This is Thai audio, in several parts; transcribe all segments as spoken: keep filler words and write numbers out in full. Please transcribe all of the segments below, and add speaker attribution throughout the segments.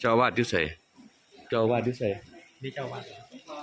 Speaker 1: เจ้าอาวาดอยู่ไสเจ้าอาวาดอยู่ไส
Speaker 2: นี่เจ้าวัด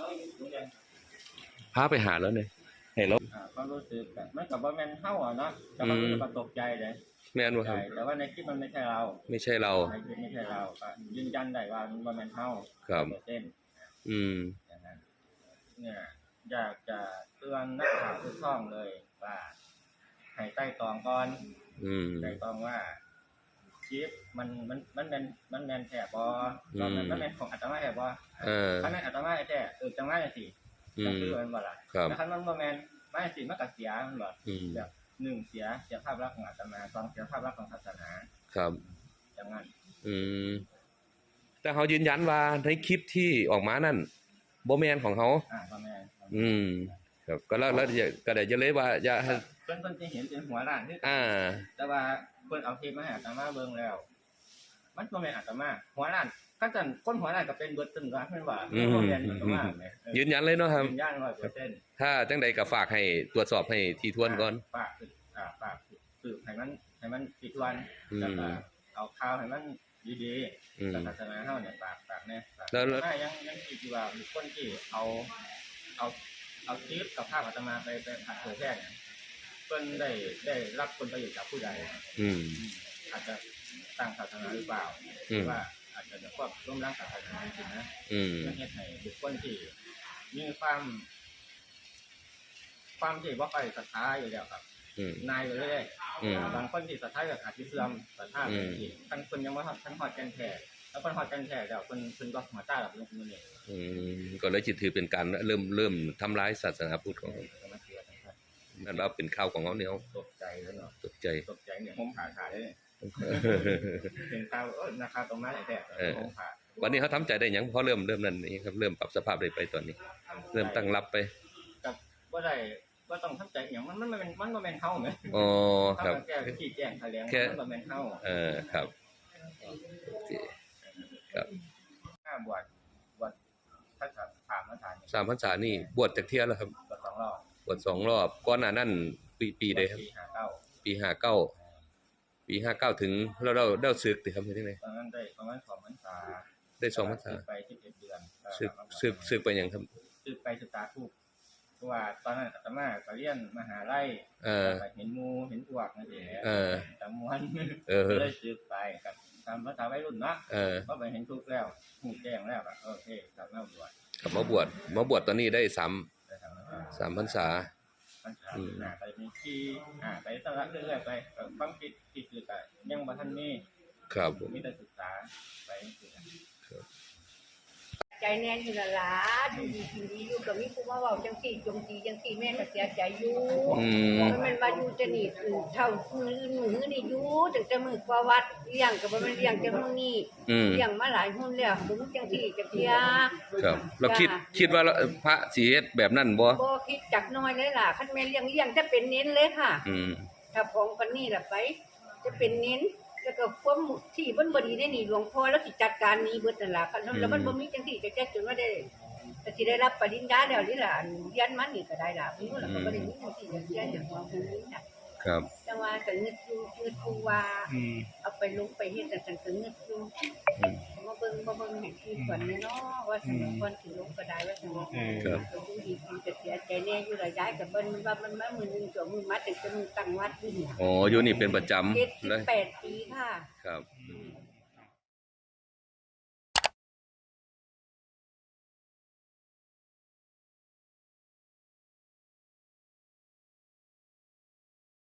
Speaker 1: พาไปหาแล้วเนี่ยให้เรา
Speaker 3: อ่าความรู้สึกแบบมันกับว่าแมนเท่าอ่ะเนาะแต่ความรู้สึกมันตกใจเลย
Speaker 1: แม่นบ่ค
Speaker 3: ใช่
Speaker 1: รับ
Speaker 3: แต่ว่าในคลิปมันไม่ใช่เรา
Speaker 1: ไม่ใช่เรา
Speaker 3: ในคลิปไม่ใช่เราก็ยืนยันได้ว่ามันว่าแมนเท่า
Speaker 1: ครับ
Speaker 3: เต้น
Speaker 1: อืม
Speaker 3: อย่างนั้นเนี่ยอยากจะเตือนนักข่าวทุกช่องเลยว่าให้ใต้ตองก่อน
Speaker 1: อืม
Speaker 3: ใต้ตองว่าคลิปมันมันมันแมนมันแมนแถบบ่มันมันแมนของอัตมาแถบบ่
Speaker 1: เออ
Speaker 3: ถ้าแมนอัตมาแท้เออจังว่าจังซี่ก็คือมันบ่ล่ะแต่ถ้ามันบ่แมนไม่สิมันก็เสียมันบ่แบบหนึ่งเสียเสียภาพลักษณ์ของอาตมาสองเสียภาพลักษณ์ของศาสนา
Speaker 1: ครับ
Speaker 3: อย่างนั้น
Speaker 1: อืมแต่เขายืนยันว่าในคลิปที่ออกมานั่นบ่แม่นของเขา
Speaker 3: อ่าบ่แม่น
Speaker 1: อืมครับก็แล้วแล้วก็ได้จะเลยว่าอย่า
Speaker 3: เพิ่นเพิ่นสิเห็นเป็นหัวล้านคือ
Speaker 1: อ่า
Speaker 3: แต่ว่าเพิ่นเอาคลิปมาให้อาตมาเบิ่งแล้วมันบ่แม่นอาตมาหัวล้านคันซั่นคนหัวล้านก็เป็นเบิดตึ้งว่าแม่นว่าบ่แม่นอาตมาแม่
Speaker 1: ยืนยันเลยเนาะครับ
Speaker 3: ยืนยัน ร้อยเปอร์เซ็นต์
Speaker 1: ถ้าจังใดก็ฝากให้ตรวจสอบให้ถี่ถ้วนก่อน
Speaker 3: ฝากอ่าฝากสืบให้มันให้มันถี่ถ้วนแล้วก็เอาข่าวให้มันดีๆศาสนาเฮาเนี่ยฝากฝากแน่แล้วยังยังคิดอยู่ว่ามีคนที่เอาเอาเอาคลิปกับภาพอาตมาไปไปเผยแพร่เนี่ยเพิ่นได้ได้รับผลประโยชน์จากผู้ใด
Speaker 1: อืม
Speaker 3: อาจจะตั้งศาสนาหรือเปล่าหรือว่าอาจจะแบบว่าร่วมร่างศาสนาจริงๆนะ
Speaker 1: อืม
Speaker 3: เฮ็ดให้บุคคลที่มีความความที่บ่ค่อยศรัทธาอยู่แล้วครับนายไปเรื่อยๆบางคนที่ศรัทธาแบบอาจจะเสื่อมศรัทธาไปอีกท่านคนยังบ่ฮอดท่านฮอดกันแท้แล้วเพิ่นฮอดกันแท้แล้วเพิ่นเพิ่นก็หัวตาแบบนี้นี่
Speaker 1: อืมก็เลยสิถือเป็นการเริ่มเริ่มทำลายศาสนาพุทธของนั่นว่าเป็นข้าวของเขาเนี่ย
Speaker 3: ตกใจแล้วเนาะ
Speaker 1: ตกใจ
Speaker 3: ตกใจเนี่ยผมผ่าขาเลยเป็นข้าวเออราคาตรงนั้นแท้ผมผ่า
Speaker 1: วันนี้เขาทำใจได้ยังพอเริ่มเริ่มนั่นนี่ครับเริ่มปรับสภาพได้ไปตอนนี้เริ่มตั้งรับไป
Speaker 3: กับว่าได้ว่าต้องทำใจอย่างมันมันเป็นมันมันเป็นเท่าไหม
Speaker 1: อ๋อครับ
Speaker 3: แก้ก็ขี้แจ้งแถลงมันเป็นเท่า
Speaker 1: เออครับโอเคครับ
Speaker 3: ห้าบวชบวชถ้าสามพรรษา
Speaker 1: สามพรรษานี่บวชจากเที่ยแล้วครับ
Speaker 3: บวชสองรอบบ
Speaker 1: วชสองรอบก่อนหน้านั้นปีปีใดครับ
Speaker 3: ปีห้าเก้า
Speaker 1: ปีห้าเก้าปีห้าเก้าถึงเราเราได้ศึกติครับที่ไหน
Speaker 3: ตอนนั้นได้ประมาณสองพรรษา
Speaker 1: ได้สองพรรษา
Speaker 3: ไปสิบเอ็ดเดือน
Speaker 1: ศึกศึกศึกไปยังครับ
Speaker 3: ศึกไปศึกษาทุกเพราะว่าตอนนั้นอาตมาก็เรียนมหาลัยเห็นมูเห็นพวกนั่นเองจำมวนเลยศึกไปกับตามภาษาวัยรุ่นเนาะก็ไปเห็นทุกแล้วหูแจ้งแล้วโอเคกลับมาบวช
Speaker 1: กลับมาบวชมาบวชตอนนี้ได้สามสามพรรษา
Speaker 3: อืมไปมีที่อ่าไปสลับเรื่อยๆไปความคิดที่คือแต่ยังบ่ทันมี
Speaker 1: ครับ
Speaker 3: มีแต่ศึกษาไป
Speaker 4: ใจแน่นอยู่ละล่ะดูดีกินดีอยู่กับมีผู้มาเว้าจังซี่จงจีจังซี่แม่ก็เสียใจอยู่มันมันมาอยู่จะนี่คือเท่ามือมือนี่อยู่ตั้งแต่มื้อประวัติเลี้ยงก็บ่แม่นเลี้ยงจังมื้อนี้เลี้ยงมาหลายหุ้นแล้วบ่มีจังซี่จักเที่ย
Speaker 1: ครับเราคิดคิดว่าพระสิเฮ็ดแบบนั้นบ่
Speaker 4: บ่คิดจักน้อยเลยล่ะคันแม่เลี้ยงเลี้ยงจะเป็นเน้นเลยค่ะ
Speaker 1: อืม
Speaker 4: ถ้าของปานนี้ล่ะไปจะเป็นเน้นแล้วก็ความที่เพิ่นบ่ดีได้นี่หลวงพ่อแล้วสิจัดการนี้เบิดนั่นล่ะคันแล้วมันบ่มีจังซี่จะแก้จนว่าได้ก็สิได้รับปริญญาแล้วนี่ล่ะเรียนมานี่ก็ได้ล่ะเพิ่นแล้วก็บ่ได้มีจังซี่จะแก้อย่างว่าเพิ่นนี่น่ะ
Speaker 1: ครับ
Speaker 4: จังว่าก็นึกอยู่นึกอยู่ว่าเอาไปลงไปเฮ็ดจังซั่นก็นึกอยู่มาเบิ่งบ่เบิ่งให้คือก่อนเนาะว่าสมัยก่อนสิลงก็ได้ว่าซั่นครับก็ดูดีกินก็เสียใจแน่อยู่ละยายก็เบิ่งว่ามันมามื้อนึงตัวมื้อมาตั้งแต่มื้อตั้งวัดอยู่นี่
Speaker 1: อ๋ออยู่นี่เป็นประจำ
Speaker 4: เจ็ดสิบแปดปีค่ะ
Speaker 1: ครับ